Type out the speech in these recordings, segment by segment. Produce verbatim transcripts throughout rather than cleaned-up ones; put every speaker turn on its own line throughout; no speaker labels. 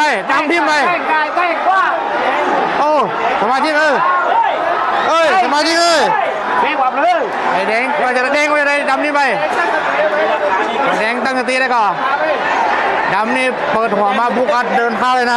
ดำทิมไป
ใกล้ใกล้ใกล้กว่า
โอ้สมาธิเออเอ้ยสมาธิเอ้ย
แดงกว่าเลย
ไอ้แดงว่าจะแดงว่าจะได้ดำนี่ไปแดงตั้งสติได้ก่อนดำนี่เปิดหัวมาบุกอัดเดินเข้าเลยนะ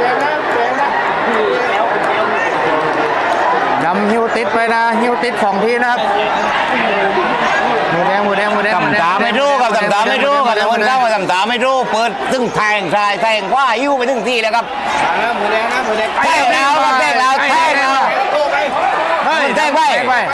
ดำหิวติดไปนะหิวติดของทีนะครับหมูแดงหมูแดงหมูแดง
ทำตาไม่รู้ครับทำตาไม่รู้ครับแต่มันเข้ามาทำตาไม่รู้เปิดตึ้งแทงทรายแทงคว้ายิ้วไปถึงที่แล้วครับ
หมูแดงนะหมูแดง
แทงแล้วครับแทงแล้วแทงแล้ว
เฮ้ย
แทงไป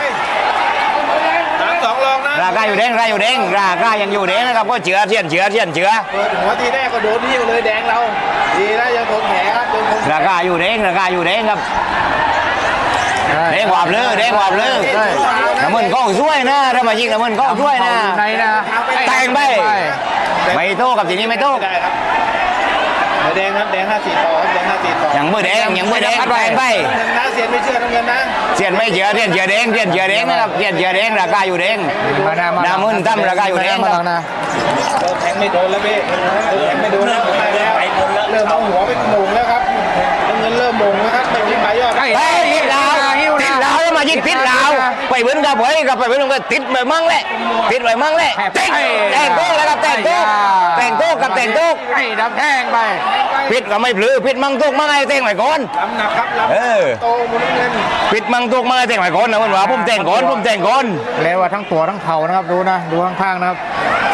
สามสองลองนะ
ราคาอยู่แดงราคาอยู่แดงราคายังอยู่แดงนะครับก็เจือเทียนเจือเทียนเจือ
เปิดหัวทีแรกก็โดนหิ้วเลยแดงเราดีนะยังทนแผลครับยังทน
ราคาอยู่แดงราคาอยู่แดงครับแดงหวาบเลยแดงหวาบเลยน้ำมันก็ช่วยนะถ้ามายิงน้ำมันก็ช่วยนะ
ในนะ
แทงไปไม่โต้กับทีนี้ไม่โต้
ได้ครับหมูแดงครับแดงห้าสี่ต่อครับแดงห้าสี่ต่อ
ยังมือแดงยังมือแดงแทงไป
เงินนะเสียนไม่เชื่อน้ำเงินนะ
เทียนไม่เจือเทียนเจือแดงเทียนเจือแดงนะครับเทียนเจือแดงราคาอยู่แดง
มาหน้ามา
น้ำมันตั้มราคาอยู่แดง
มา
ค
ห
รั
ลั
บ
งนะ
โดนแทงไม่โดนแล้วพี่โดนแทงไม่โดนแล้วไปแล้วเริ่มเอาหัวไปโมงแล้วครับน้ำเงินเริ่มโมงแล้วครับไม่มีใบยอด
เฮ้ยติดลาวติดลาวแล้วมายิงติดลาวไปเหมือนกับเฮ้ยกับไปเหมือนกับติดไปมั่งแหละติดไปมั่งแหละแต่งแต่งโต๊ะแล้วครับแต่งโต๊ะแต่งโต๊ะกับแต่งโต๊ะ
ไอ้ดำแทงไป
ปิดก็ไม่ปลือปิดมั่งตุกมั่งไอ้แต่งไว้ก่อน
ลำหนักครับลำ
เออ
โตมุนเงิน
ปิดมั่งตุกมั่งไอ้แต่งไว้ก่อนนะมันว่าผมแต่งก่อนผมแต่งก่อน
แล้วว่าทั้งตัวทั้งเข่านะครับดูนะดูข้างๆนะครับ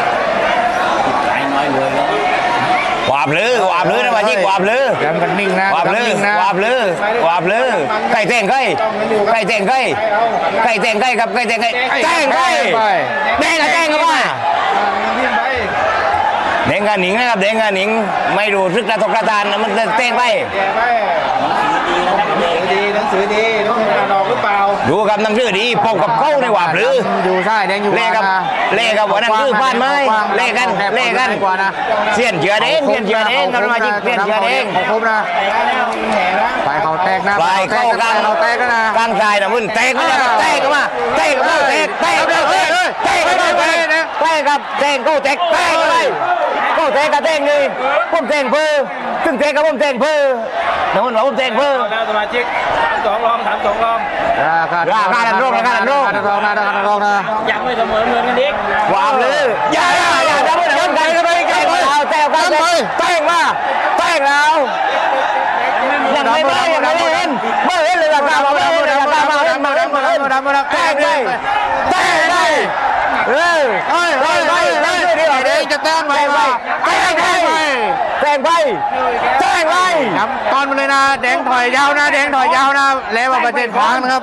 วาบลือวาบลือนะมายิงวาบลือ
ดำกันนิ่งนะ
วาบลือ
ดำนิ่งนะ
วาบลือวาบลือไก่แต่งไก่ไก่แต่งไก่ไก่แต่งไก่ครับไก่แต่งไก่แต่งไก่แดงกับแดงกับว่า
เงินทิ้งไป
แดงกับหนิงนะครับแดงกับหนิงไม่รู้ทึกกระทบกระทานนะมันแต่งไป
แกไปดีหนังสือดีหนังสืออ่านออกหรือเปล่า
ดูกับหนังสือดีปกกับเข้าในวาบลือ
อยู่ใช่แดงอยู่
เล่กับเล่กับหัวหนังสือบ้านไม้เล่กันเล่กัน
กว่านะ
เสียนเจือเด้งเสียนเจือเด้งกับมาจิกเสียนเจือเด้ง
ของครบนะ
แผลนะ
ไปเขาแตกนะ
ปลายเข้ากลาง
เขาแตกกันนะ
กลางกายนะมึงเตะก็มาเตะก็มาเตะก็มาเตะเตะก็มาเตะเตะก็มาเตะเตะกับเตะกูเตะเตะก็ไปกูเตะกับเตะนี่ผมเตะเพื่อถึงเตะกับผมเตะเพื่อนะมึงว่าผมเตะเพื่อ
แล้วสมาชิกสามสองลองสามสองลอง
ราคาราคาดันโรคราคาดันโรคราคาดันโรคนะราคาดันโรคนะ
ยังไม่เสมอเงินกันอีก
วามเลยอย่าอย่าอย่าอย่าพูดถึงกันกันไปกันไปเอาเตะกันเตะมาเตะแล้วยังไม่ได้ยังไม่เห็นไม่เห็นเลยราคามาไม่เห็นราคามาเห็นมาเห็นมาเห็น
ดำมาดำ
แตกเลยแตกเลยเฮ้ย
เฮ้ยเฮ้ยเฮ้ยเฮ้ยเดี๋ยวจะแต้มไป
แตกไปแตกไปแตกไป
ดำตอนมาเลยนะแดงถอยยาวนะแดงถอยยาวนะแล้วว่าประเทศขวางนะครับ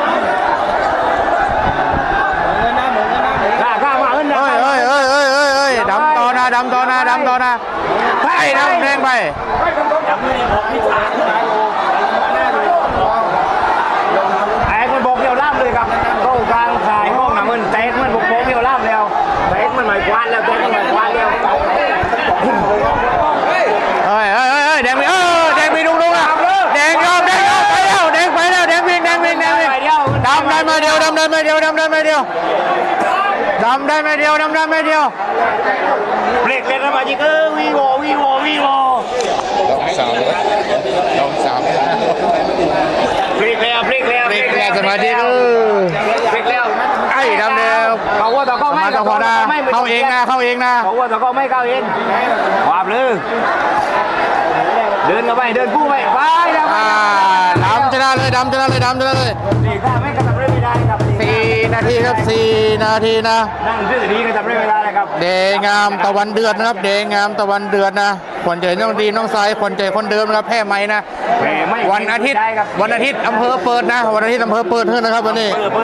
เงินนะหมุนเงินนะหมุน
ราคามาเงิน
เฮ้ยเฮ้ยเฮ้ยเฮ้ยเฮ้ยเฮ้ยดำต่อนะดำต่อนะดำต่อนะไปดำแดงไป
ยังไม่ได้บอกพิจารณาโลมาหน้าดู
ไอ้คนบอกเดียวล่ามเลยครับเข้ากลางขายห้องน้ำมันแตกมันบอกเดียวล่ามแล้วแตกมันหมายควานแล้วแตกมันหมายควานแล้ว
เฮ้ยเฮ้ยเฮ้ยเฮ้ยแดงไปเออแดงไปดุงดุงนะแดงยอมแดงยอมไปแล้วแดงไปแล้วแดงวิ่งแดงวิ่งแดงวิ่งดำได้มาเดียวดำได้มาเดียวดำได้มาเดียวดำได้มาเดียวดำได้มาเดียว
เบรกเลยนะมาจิกเออวีโววีโววีโว
สามดองสาม
เบรกแล้วเบรกแล้ว
เบรกแล้วสมาธิเออ
เบรกแล้ว
ไอ้ดำเดียว
เขาว่าแต่ก็ไม่
มาต่อพอนะเข้าเองนะเข้าเองนะ
เขาว่าแต่ก็ไม่เข้าเองวาบเลยเดินกันไปเดินคู่ไปไปแล้ว
อ่าดำชนะเลยดำชนะเลยดำชนะเลย
นี่ก็ไม่กระทำไม่ได้ครับ
สี่นาทีครับสี่นาทีนะ
นั่งซื่อดีกระทำไม่ได้ครับ
เดงามตะวันเดือดนะครับ เดงามตะวันเดือดนะขวัญใจน้องดีน้องสายขวัญใจคนเดิมนะครับแพ้ไหมนะวันอาทิตย์วันอาทิตย์อำเภอเปิดนะวันอาทิตย์อำเภอเปิดเท่านะครับวันนี้